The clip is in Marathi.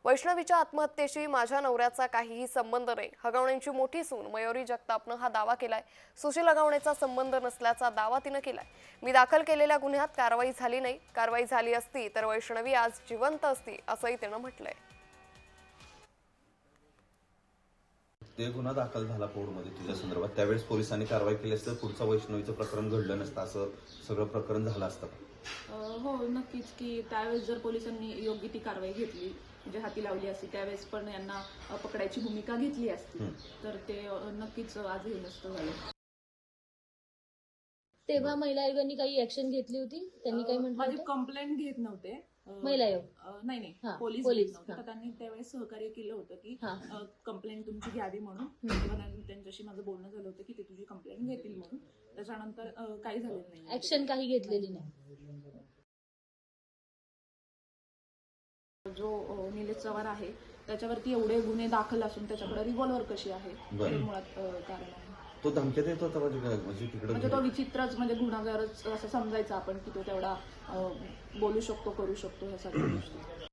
वैष्णवीच्या आत्महत्येशी माझ्या नवऱ्याचा काहीही संबंध नाही। हगवणेंची मोठी सून मयुरी जगतापनं हा दावा केलाय। सुशील हगवणेचा संबंध नसल्याचा दावा तिनं केलाय। मी दाखल केलेल्या गुन्ह्यात कारवाई झाली नाही। कारवाई झाली असती तर वैष्णवी आज जिवंत असती असंही तिनं म्हटलंय। ते गुन्हा दाखल झाला कोर्टमध्ये तुझ्या संदर्भात, त्यावेळेस पोलिसांनी कारवाई केली असतं पुढचं वैष्णवीचं प्रकरण घडलं नसतं, असं सगळं प्रकरण झालं असतं। हो नक्कीच की त्यावेळेस जर पोलिसांनी योग्य ती कारवाई घेतली म्हणजे हाती लावली असती, त्यावेळेस पण यांना पकडायची भूमिका घेतली असती तर ते नक्कीच आज हे नसतं झालं। तेव्हा महिला आयोगाने काही ऍक्शन घेतली होती? त्यांनी काय म्हटलं? माझी कंप्लेंट घेत नव्हते महिला आयोग नाही पोलीस घेत नव्हते, तर त्यांनी त्यावेळेस सहकार्य केलं होतं की कंप्लेंट तुमची घ्यावी म्हणून। तेव्हा त्यांच्याशी माझं बोलणं झालं होतं की ते तुझी कंप्लेंट घेतील म्हणून। त्याच्यानंतर काही झालेलं नाही, ऍक्शन काही घेतलेली नाही। जो निलेश चव्हाण आहे त्याच्यावरती एवढे गुन्हे दाखल असून त्याच्याकडे रिव्हॉल्वर कशी आहे हे मुळात कारण आहे। तो धमक्या देत होता म्हणजे तिकडे म्हणजे तो विचित्रच म्हणजे गुन्हेगारच असं समजायचं आपण की तो तेवढा बोलू शकतो, करू शकतो ह्या सगळ्या गोष्टी।